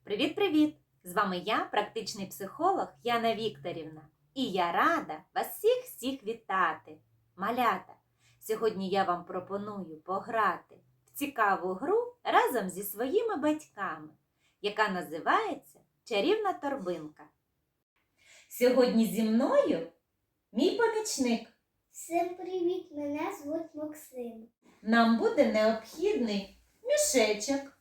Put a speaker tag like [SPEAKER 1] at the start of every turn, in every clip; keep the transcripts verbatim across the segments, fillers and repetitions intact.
[SPEAKER 1] Привіт-привіт! З вами я, практичний психолог Яна Вікторівна. І я рада вас всіх-всіх вітати. Малята, сьогодні я вам пропоную пограти в цікаву гру разом зі своїми батьками, яка називається «Чарівна торбинка». Сьогодні зі мною мій помічник.
[SPEAKER 2] Всім привіт! Мене звуть Максим.
[SPEAKER 1] Нам буде необхідний мішечок.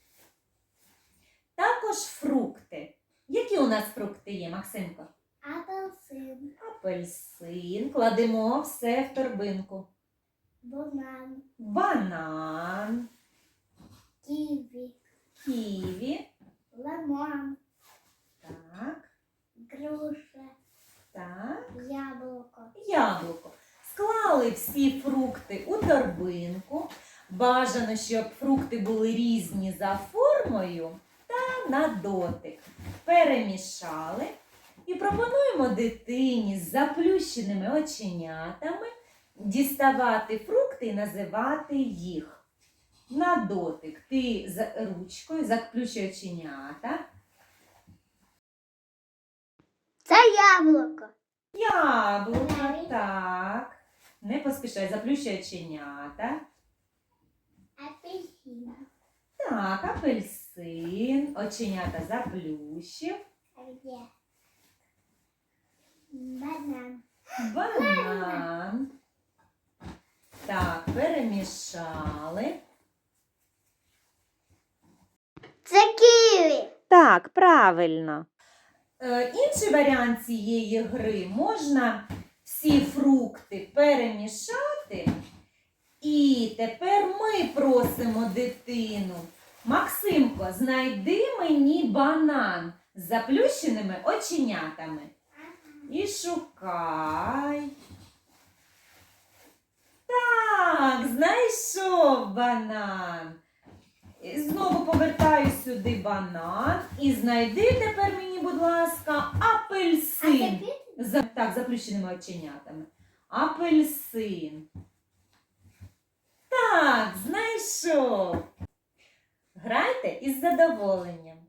[SPEAKER 1] Також фрукти. Які у нас фрукти є, Максимко?
[SPEAKER 2] Апельсин,
[SPEAKER 1] Апельсин. Кладемо все в торбинку.
[SPEAKER 2] банан,
[SPEAKER 1] Банан,
[SPEAKER 2] ківі,
[SPEAKER 1] ківі.
[SPEAKER 2] лимон,
[SPEAKER 1] Так,
[SPEAKER 2] груша,
[SPEAKER 1] так.
[SPEAKER 2] яблуко.
[SPEAKER 1] Яблуко. Склали всі фрукти у торбинку. Бажано, щоб фрукти були різні за формою та на дотик. Перемішали і пропонуємо дитині з заплющеними оченятами діставати фрукти і називати їх. На дотик. Ти з ручкою заплющуй оченята.
[SPEAKER 2] Це яблуко.
[SPEAKER 1] Яблуко,
[SPEAKER 2] Далі.
[SPEAKER 1] так. Не поспішай, заплющуй оченята.
[SPEAKER 2] Апельсин.
[SPEAKER 1] Так, апельсин. Оченята заплющив.
[SPEAKER 2] А де? Банан.
[SPEAKER 1] Банан. Так, перемішали.
[SPEAKER 2] Це ківі.
[SPEAKER 1] Так, правильно. Е, інший варіант цієї гри можна всі фрукти перемішати. І тепер ми просимо дитину. Максимко, знайди мені банан з заплющеними оченятами. І шукай. Так, знайшов банан. І знову повертаю сюди банан. І знайди тепер мені, будь ласка, апельсин. За, так, заплющеними оченятами. Апельсин. Так, знайшов. Грайте із задоволенням.